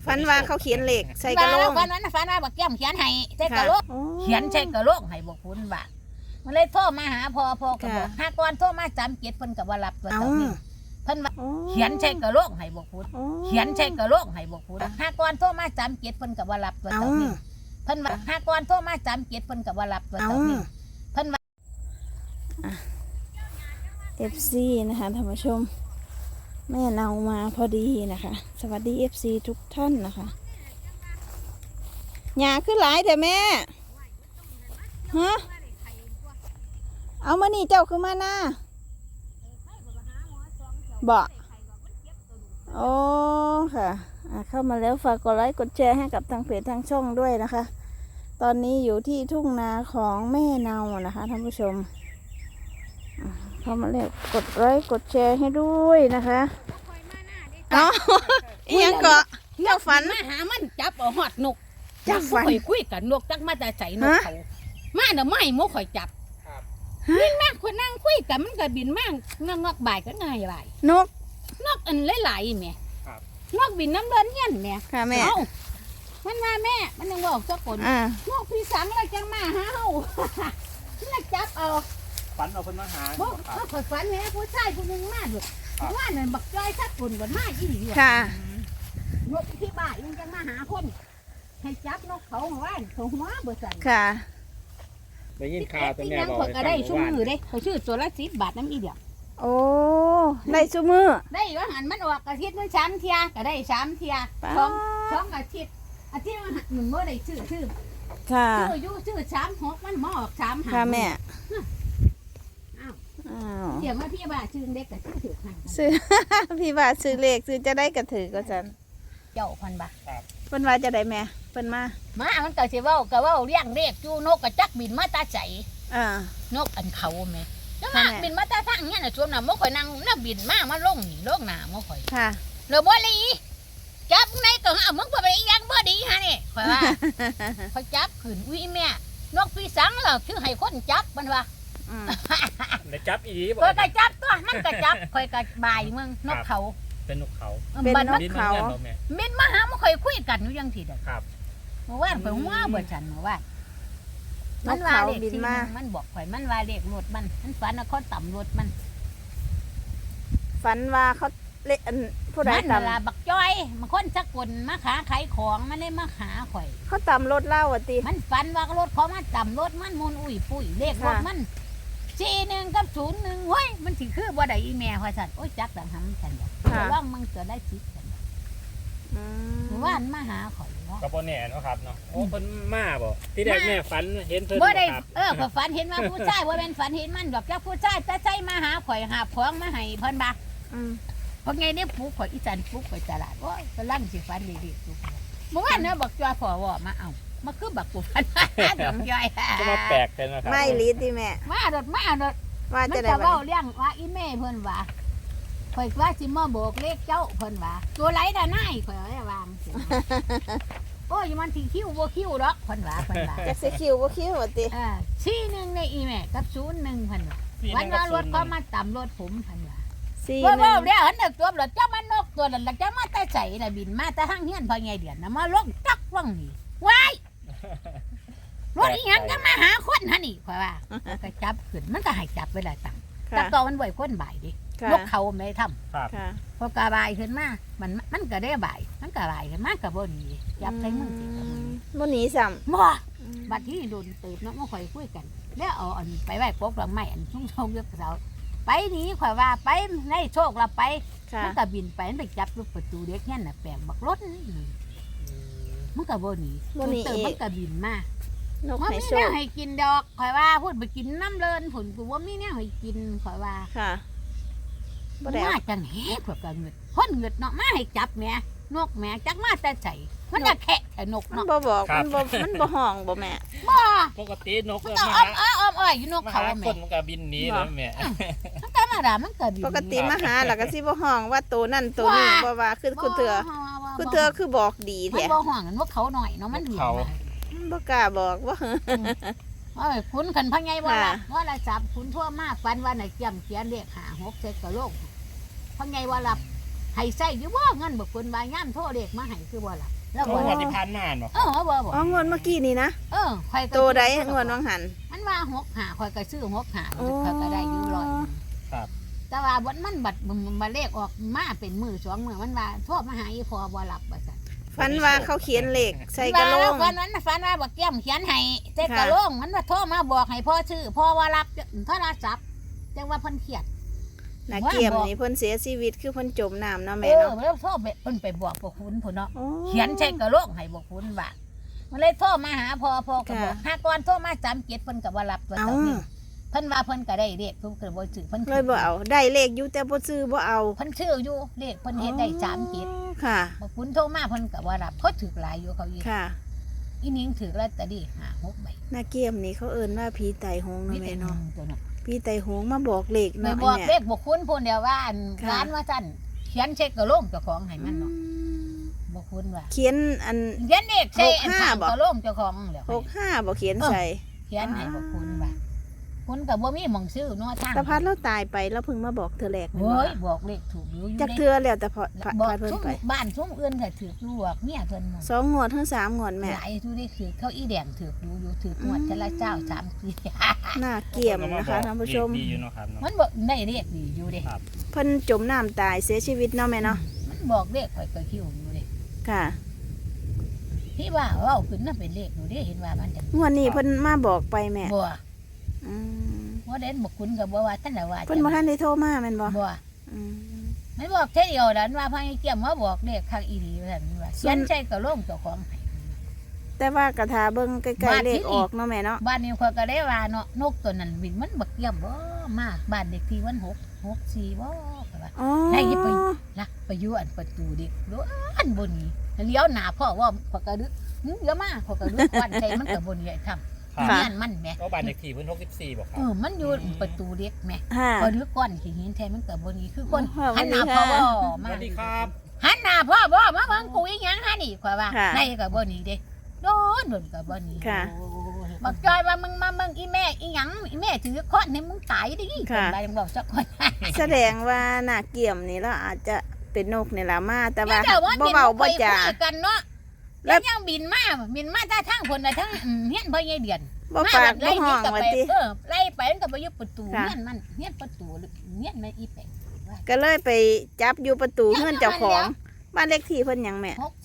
ฝันว่าเขาเขียนเลขใส่กระโหลกฝันว่าบักแก้มเขียนให้ใส่กระโหลกเขียนใส่กระโหลกให้บอกคุณว่ามันเลยโทรมาหาพ่อก็บอกหาก่อนโทรมาจำเกียรติเพิ่นก็บ่รับตัวเจ้านี่เพิ่นว่าเขียนใส่กระโหลกให้บอกคุณเขียนใส่กระโหลกให้บอกคุณหาก่อนโทรมาจำเกียรติเพิ่นก็บ่รับตัวเจ้านี่เพิ่นว่าหาก่อนโทรมาจำเกียรติเพิ่นก็บ่รับตัวเจ้านี่เพิ่นว่า FC นะคะท่านผู้ชมแม่เนามาพอดีนะคะสวัสดี FC ทุกท่านนะคะหญ้าขึ้นหลายแต่แม่ฮะเอามานี่เจ้าคือมาหน้าบอกโอ้ค่ะเข้ามาแล้วฝากกดไลค์กดแชร์ให้กับทางเพจทางช่องด้วยนะคะ ตอนนี้อยู่ที่ทุ่งนาของแม่เนานะคะท่านผู้ชมเข้ามาแล้วกดไลค์กดแชร์ให้ด้วยนะคะเนาะยังเกาะเจ้าฝันมาหามันจับเอาหอดนกจับฝันข่อยคุยกันนกจักมาแต่ใส่นกเขามาเดี๋ยวไม่โมข่อยจับบินมากคนนั่งคุยกันมันก็บินมากงอกบ่ายก็ง่ายบ่ายนกนกอันหลายๆแม่นกบินน้ำเดินเงี้ยนแม่ค่ะแม่มันมาแม่มันยังบอกเจ้าคนนกพี่สังแล้วจังมาหาเฮาแล้วจับเอาฝันเอาคนมาหาบอกเขาข่อยฝันแม่ผู้ชายผู้หนึงมาด้วยว่านั่นบักจ้อยทักคนบ่มาอีหลีค่ะนกที่บ้านยังจังมาหาคนให้จับนกเขาว่าเขาหัวบ่ใส่ค่ะได้ยินข่าวแต่แม่บอกก็ได้ชุ่มมือได้เขาชื่อตัวละ10 บาทน้ำอีเดียวโอ้ได้ซุมือได้ว่าหันมันออกอาทิตย์นึง3 เที่ยก็ได้3 เที่ยป๊าสองอาทิตย์ว่าหนึ่งบ่ได้ชื่อค่ะอยู่ชื่อ36มันมาออก3 ค่ะแม่อ้าวอ้าวเดี๋ยวมาพี่บ้านชื่อเด็กก็ชื่อถือหันซื้อ พี่ว่าซื้อเลขซื้อจะได้กระถือก็จันเจ้าพันบาทเพิ่นว่าจะได้แม่เพิ่นมามามันก็สิเว้าเลี้ยงเด็กอยู่นกก็จักบินมาตาใจอ่านกอันเขาแม่แล้วมาบินมาตาทางเงี้ยน่ะชวนน่ะบ่ค่อยนั่งน่ะบินมาลงนี่ลงหน้าบ่ค่อยค่ะเดี๋ยวบ่ลีจับในก็หามึงบ่ไปอีหยังบ่ดีฮะนี่ข่อยว่า ข่อยจับขึ้นอุ้ยแม่นกพี่สังล่ะคือให้คนจับมันว่าอืมได้จับอีดีบ่ข่อยก็จับตัวมันก็จับข่อยก็บายมึงนกเขาเป็นนกเขาบัดมันบินเหมือนกันบ่แม่บินมาหามาข่อยคุยกันอยู่จังซี่เด้อครับเมื่อวานข่อยว่าเบิดฉันเมื่อวานนมักนว่าเขาเลขบินที่มามันบอกข่อยมันว่าเลขรถมันฝันว่าเขาต่ำรถมันฝันว่าเขาเละอันผู้ใดมันตเวลาบักจ้อยมาคนสักคนมาขาขายของมันได้มาหาข่อยำเขาตำรถเล่าอ่ะติมันฝันว่ารถเขามาต่ำรถมันมุนอุ้ยปุ้ยเลขรถมัน41กับ01เฮ้ยมันสิคือบ่ได้อีแม่ว่าซั่นโอ้ยจักต่างหำซั่นแต่ว่ามึงจะได้สิซั่นอืมเมื่อวานมาหาข่อยว่าก็บ่แน่เนาะครับเนาะโอ้เพิ่นมาบ่ที่แรกแม่ฝันเห็นเพิ่นบ่ได้ครับข่อยฝันเห็นว่าผู้ชายบ่แม่นฝันเห็นมันดอกจักผู้ชายแต่ใจมาหาข่อยหาของมาให้เพิ่นบ่าอืมเพราะไงเนี่ยปลูกข่อยอีจันปลูกข่อยตลาดโอ้ยกำลังสิฝันดีๆปลูกเมื่อวานเนาะบักจ้อยพ่อว่ามาเอามาคือบักกูฝันดอกจ้อยก็มาแปลกเป็นนะครับไม่ลีดดิแม่มาดอกว่ามันจะได้จะบัเว้าดเลี้ยงว่าอีแม่เพิ่นว่าข่อยว่าสิมาโบกเลขเจ้าเพิ่นว่าตัวไหลดานายข่อยเอาไว้วางสิโอ้ยมันสิคิ้วบ่คิ้วดอกเพิ่นว่าจะสิคิวบ่คิวอ่ะติ 41ในอีแม่กับ01เพิ่นว่าวันว่ารถเขามาต่ำรถผมเพิ่นว่าสี่ว่าหนึ่ว่าง เดี๋ยวหันเด็กตัวรถจ้ามันนกตัวนั้นจ้ามาแต่ใส่น่ะบินมาแต่ห้างเฮียนพอไงเดือนน่ะมาลงจักว่างนี่ว้ายรถอีหยังจะมาหาคนฮะนี่ข่อยว่าก็จับขึ้นมันก็ให้จับไว้หลายตังค์แต่ค่ะตอนมันบ่อยคนบ่ายดิค่ะนกเขาไม่ได้ทครับค่ะำพอกาบ่ายขึ้นมามันก็ได้บ่ายมันก็บ่ายขึ้นมาก็บ่ดีจับใส่มือสิก็บ่ดีบ่หนีซ้บ่ำบัดที่โดนตืบเนาะมาข่อยคุยกันแล้วเอาอันไปไว้ปกหลังไม้อันชุ่มๆเยอะเสาไปนี่ข่อยว่าไปในโชคเราไปค่ะมันก็บินไปมันไปจับลูกประตูเด็กเนี่ยน่ะแปลงบักรถนี่มันก็บ่หนีบ่หนีเติมอีมันกก็บินมานกว่าให้มีโชแนควให้กินดอกข่อยว่าพูดไปกินน้ำเลินผลกูว่ามีแนวให้กินข่อยว่าค่ะบ่ได้มาเอาจังแหกข่อยก็เงึดคนเงึดเนาะมาให้จับแม่นกแม่จักมาแต่ใจมันจะแคะแต่นกมันเนาะบ่บอกมันบ่ห้องบ่แม่บ่ปกตินกมันมาก็หาอ้อมๆอยู่นกมาเขาหาแม่คนมันก็บินหนีแล้วแม่มันก็มาด่ามันก็บินปกติมาหาแล้วก็สิบ่ห้องว่าตัวนั่นตัวนี้บ่ว่าคือเถื่อคือเถื่อคือบอกดีมันแท้บ่ห่วงกันนกเขาหน่อยเนาะมันบินมามันบ่กล้าบอกว่าเอ้ยคุณขันพังไงบ่ล่ะค่ะว่าละจับคุณทั่วมากฟันว่าไหนเกี่ยมเขียนเลข5 6 7กับโลกพังไงว่ารับให้ใส่อยู่บ่เงินบ่คุณว่าย่ำโทรเลขมาให้คือบ่ล่ะแล้วเขาบ่หัวที่พันมาบ่บ่บ่อ๋องวดเมื่อกี้นี่นะข่อยก็ตัวใดงวดวังหันมันว่า6-5ข่อยก็ซื้อ6-5ข่อยก็ได้อยู่ร้อยครับแต่ว่าบ่มันบัดมาเลขออกมาเป็นมื้อ2มื้อมันว่าโทรมาหาอีพ่อบ่รับว่าซั่นฝันว่าเขาเขียนเลขใส่กระโหลกฝันว่าบักเกี้ยมเขียนให้ใส่กระโหลกมันว่าโทรมาบอกให้พ่อชื่อพ่อว่ารับโทรศัพท์จังว่าเพิ่นเครียดนาเกียมนี่เพิ่นเสียชีวิตคือเพิ่นจมน้ำเนาะแม่เนาะเนาะแล้วโทรไปเพิ่นไปบอกพวกคุณพุ่นเนาะโอ้เขียนใส่กระโหลกให้พวกคุณว่ามันเลยโทรมาหาพ่อก็บอกค่ะหาก่อนโทรมา37เพิ่นก็บ่รับตัวเอ้าเจ้านี่เพิ่นว่าเพิ่นก็ได้เลขเพิ่นก็บ่ซื้อเพิ่นเลยบ่เอาได้เลขอยู่แต่บ่ซื้อบ่เอาเพิ่นชื่ออยู่เลขเพิ่นเฮ็ดได้37 ค่ะพวกคุณโทรมาเพิ่นก็บ่รับเพราะถูกหลายอยู่เขาอีกค่ะอีนิ้งถือลอตเตอรี่5-6ใบนาเกียมนี่เขาเอิ้นว่าผีไตหงเนาะแม่เนาะตัวเนาะผีไตหงมาบอกเลขไปเนาะบอกแม่เลขบอกคุณพูนเดียวว่าอันค่ะร้านว่าสั่นเขียนเช็คกระโหลกเจ้าของให้มันเนาะบอกคุณว่าเขียนอันเขียนเลขใช่อัน 65 ทางบ่กระโหลกเจ้าของแล้ว 65บ่เขียนใส่เขียนให้บอกคุณว่าคุณกับบ่มีหม่องซื้อเนาะทางตาพัดเราตายไปแล้วเพิ่งมาบอกเธอแรกแม่นโอ้บ่ยบอกเลขถูกอยู่จักด้เทือแล้วแต่พอพาบอกเพิ่นซุ้มไปบ้านซุ้มอื่นก็ถืออยู่บอกเนี่ยเพิ่นหมด 2งวดถึง3งวดแม่หลายทุได้ถือเขาอีแดงถืออยู่ถืองวดแต่ละเจ้า3 4 น่าเกี่ยมนะคะท่านผู้ชมดีอยู่เนาะครับเนาะมันบอกได้เลขดีอยู่เด้เพิ่นจมน้ำตายเสียชีวิตเนาะแม่เนาะมันบอกเลขข่อยก็คิวอยู่เด้ค่ะที่ว่าเว้าขึ้นน่ะเป็นเลขอยู่เด้เห็นว่ามันจะงวดนี้เพิ่นมาบอกไปแม่บ่อืมว่าเด่นบอกคุณกับว่าท่านละว่าเพิ่นบ่ทันได้โทรมาแม่นบ่บ่อืมไม่บอกเท่เดียวดันว่าพังเกี่ยมมาบอกเลขทางอีดีว่าซั่นว่าเขียนใช่กระโหลกเจ้าของให้แต่ว่ากระทาเบิ่งใกล้บ้านๆเลที่ขนี่ออกเนาะแม่เนาะบ้านนี้เขาก็ได้ว่าเนาะนกตัวนั้นบินมันบักเกี่ยมบ่มากบ้านเด็กที่วัน6 4บ่ก็ว่าอ๋อได้ยิบไปลักไปอยู่อันประตูเด็กโดนบ่หนีเลี้ยวหน้าพ่อว่าพอกระดึกเดี๋ยวมาพอกระดึกควันใส่มันก็บ่หนีไอ้ทำครับเงี้ยมันแหม่ก็บ้านเด็กที่เพิ่น64บ่ครับมันอยู่ประตูเด็กแหม่ค่ะพอดึกก้อนขี้หินแท้มันก็บ่หนีคือคนค่ะหันหน้าสวัพ่อสดีบ่ค่ะสมาวัสดีครับหันหน้าพ่อบ่มาเบิ่งกูอีหยังหานี่ข่อยว่าค่ะได้ก็บ่หนีเด้โดนก็บ่หนีค่ะบักจอยว่ามึงมาเบิ่งอีแม่อีหยังอีแม่ถือค้อนให้มึงตายดิค่ะคนใดยังบอกสักคนแสดงว่าน่าเกี่ยมนี่แล้วอาจจะเป็นนกนี่ล่ะมาแต่ว่าแต่ว่าบ่เว้าบ่จาคุยกันเนาะแล้แล้ว วยังบินมาแต่ทางคนน่ะทั้งเฮียนพ่อใหญ่เดือนบ่ปากบ่ห้องว่าติไล่ไปมันก็ไปอยู่ประตูค่ะเฮียนมันเฮียนประตูเฮียนมันอีแปงก็เลยไปจับอยู่ประตูเฮือนเจ้าของบ้านเลขที่เพิ่นหยังแม่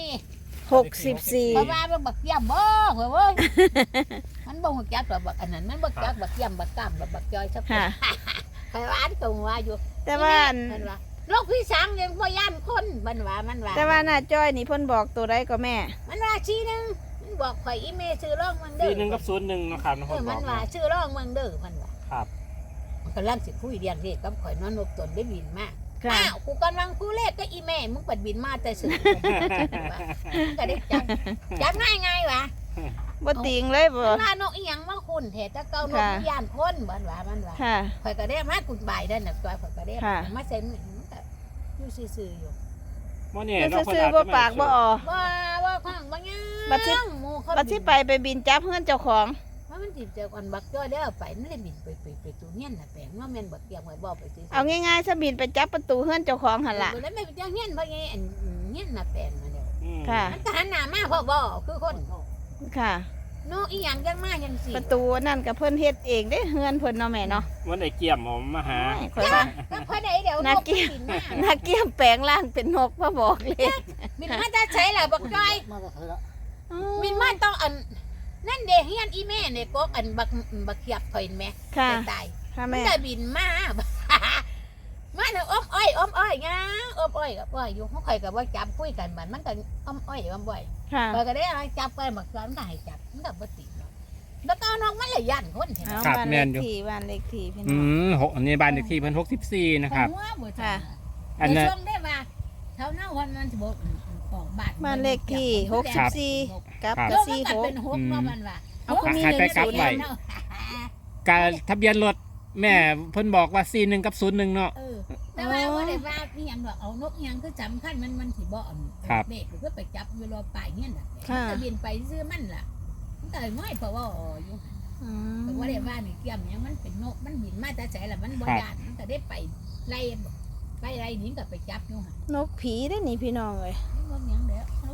64 64 เพราะว่ามันบักเยี่ยมบ่เว้ย มันบ่ฮู้จักว่าบักอันนั้นมันบ่จักบักเยี่ยมบักกล้ามบักจอยสักคนค่ะใครว่าอันตรงว่าอยู่แต่ว่าอันมันว่าโรคพี่สังยังบ่ย่านคนมันว่าแต่ว่าน่าจ้อยนี่เพิ่นบอกตัวใดก็แม่มันว่าชี้นึงมันบอกข่อยอีเมชื่อร่องเมืองเด้อ 41กับ01เนาะครับเนาะเอเพิ่อนบมัอน กว่าชื่อร่องเมืองเด้อมันว่าครับมันกำลังสิคุยเรียนเลขกับข่อยนอนนกตนได้บินมาค่ะอ้าวกูกำลังคุยเลขกับอีแม่มึงเปิดบินมาแต่สื่อมันก็ได้จับง่ายๆว่ะบ่ติงเลยบ่ว่านกอีหยังมาคุณแท้แต่เก่านกย่านคนมันว่าค่ะข่อยก็ได้มากุดบ่ายเด้อน่ะข่อยก็ได้ค่ะมาเซ็นมันก็อยู่ซื่อๆอยู่บ่เนี่ยเพิ่นเนาะซื่อๆบ่ปากบ่ออว่าข้างบ่ยังบัดสิหมู่เขาบัดสิไปบินจับเฮือนเจ้าของว่ามันสิเจอกันบักจ้อยได้เอาไปนั่นเลยบินไปตัวเงี้ยน่ะแปลงว่าแม่นบักเกียงไว้บ่ไปซื้อเอาง่ายๆซะบินไปจับประตูเฮือนเจ้าของหั่นล่ะแล้วไม่ไปเจ้าเงี้ยเพราะไงอันเงี้ยน่ะแปลงมาเดียวอืมค่ะมันก็หันหน้ามาพ่อบ่คือคนค่ะโนอีหยังจังมาจังสิประตูนั่นก็เพิ่นเฮ็ดเองเด้เฮือนเพิ่นเนาะแม่เนาะวันไอ้เกี่ยมผมมาหาข่อยว่าก็พอได้เดี๋ยวน่าเกลียดบินมาน่าเกี่ยมแปลงร่างเป็นนกมาบอกเลยบินมาจะใช้ล่ะบักจ้อยบินมาต้องอันนั่นเด้เฮียนอีแม่เนี่ยก็อันบักเขียบถอยแม่ค่ะตายค่ะมันแม่จะบินมา มาเถอะอ้อมอ้อยงาอ้อมอ้อยกับอ้อยอยู่เขาคอยกับว่าจับคุยกันมันก็อ้อมอ้อยอ้อมบ่อยค่ะคอยก็ได้เอาจับไปหมักซ้อนก็ให้จับมันก็บ่ติดหรอกแล้วก็เอาน้องมันเลยยันคนเห็นไหมเอาครับบ้านแม่เลนขอยู่ที่บ้านเลขที่พี่น้อืองมอันนี้บ้านเด็กที่เพิ่น64นะครับหัวบ่ค่ะจ้ะอันในนั้นช่วงได้ว่าเท่าหน้าวันมันสิบ่ออกบ้านบ้านเลขที่ครับ 64กับแล้วมันสี่ก็หกเป็นหกเนาะมันว่าเอาก็มีให้ไปกลับไว้เนาะการทะเบียนรถแม่เพิ่นบอกว่า41กับ01เนาะเออแต่ว่าบ่ได้ว่าอีหยังดอกเอานกอีหยังคือสำคัญมันสิบ่อันครับเด็กหรือก็ไปจับอยู่รอป่ายเนี่ยน่ะค่ะมันก็บินไปซื้อมันล่ะมันก็เลยน้อยเพราะว่าอยู่อืแต่มว่าได้ว่านี่เกี่ยมหยังมันเป็นนกมันบินมาแต่ไสล่ะมันบ่ยานมันก็ได้ไปไล่หนีก็ไปจับอยู่หั่นนกผีได้อนี่พี่น้องเลยนกหยังเด้อนก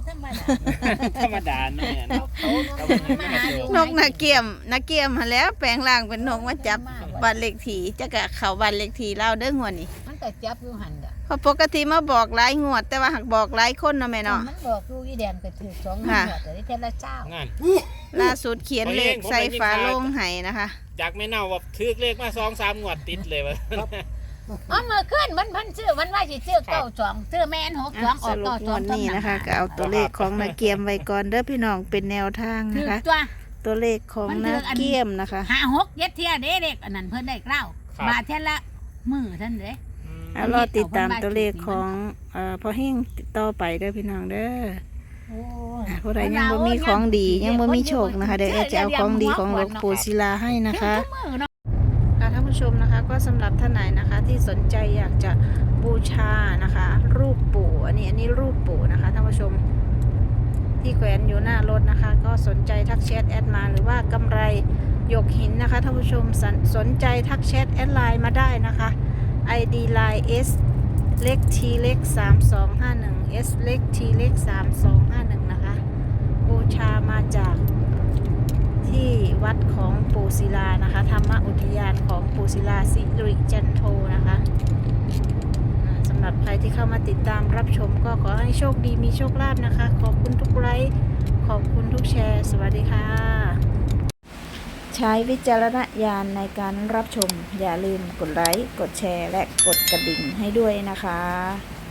ธรรมดาธรรมดาเนาะแม่เนาะเขามันมาหาอยู่นกนาเกียมหั้นแหล้วแปลงร่างเป็นนกมาจับบ้านเลขที่จะกะเขาบ้านเลขที่เล่าเด้องวดนี้มันก็จับอยู่หันเด้อเพราะปกติมาบอกหลายงวด แต่ว่าหักบอกหลายคนเนาะแม่เนาะมันบอกอยู่อีแดงก็ถือ2งวค่ะดแต่ได้เท่าละเจ้างานล่าสุดเขียนเลขใส่ฝาโลงไห้นะคะจากแม่เน่าว่าถือเลขมา2-3งวดติดเลยว่าอ๋อเมื่อคืนมันซื้อมันว่าสิซื้อ92ซื้อแม่น62ออ่ะอกสรุปงวด 92 นี้นะคะก็เอาตัวเลขของนาเกียมไว้ก่อนเด้อพี่น้องเป็นแนวทางถืนะอคะตัวตัวเลขของนาเกียมนะคะ 5-6เย็ดเที่ยเด้เด็กอันนั้นเพิ่นได้เกล้าบาทเท่าละมื้อท่านเด้เอารอติดตามตัวเลขของพอแห้งติดต่อไปเด้อพี่น้องเด้อโอ้ผู้ใดยังบ่มีของดียังบ่มีโชคนะคะเดี๋ยวจะเอาของดีของหลวงปู่ศิลาให้นะคะมื้อเนาะค่ะท่านผู้ชมนะคะก็สำหรับท่านไหนนะคะที่สนใจอยากจะบูชานะคะ รูปปู่อันนี้รูปปู่นะคะท่านผู้ชมที่แขวนอยู่หน้ารถนะคะ ก็สนใจทักแชทแอดมาหรือว่ากำไรหยกหินนะคะท่านผู้ชมสนใจทักแชทแอดไลน์มาได้นะคะ ID line S เล็ก T เล็ก3251 S เล็ก T เล็ก3251นะคะบูชามาจากที่วัดของปู่ศิลานะคะธรรมอุทยานของปู่ศิลาสิริจันโทนะคะสำหรับใครที่เข้ามาติดตามรับชมก็ขอให้โชคดีมีโชคลาภนะคะขอบคุณทุกไลค์ขอบคุณทุกแชร์สวัสดีค่ะใช้วิจารณญาณในการรับชมอย่าลืมกดไลค์กดแชร์และกดกระดิ่งให้ด้วยนะคะ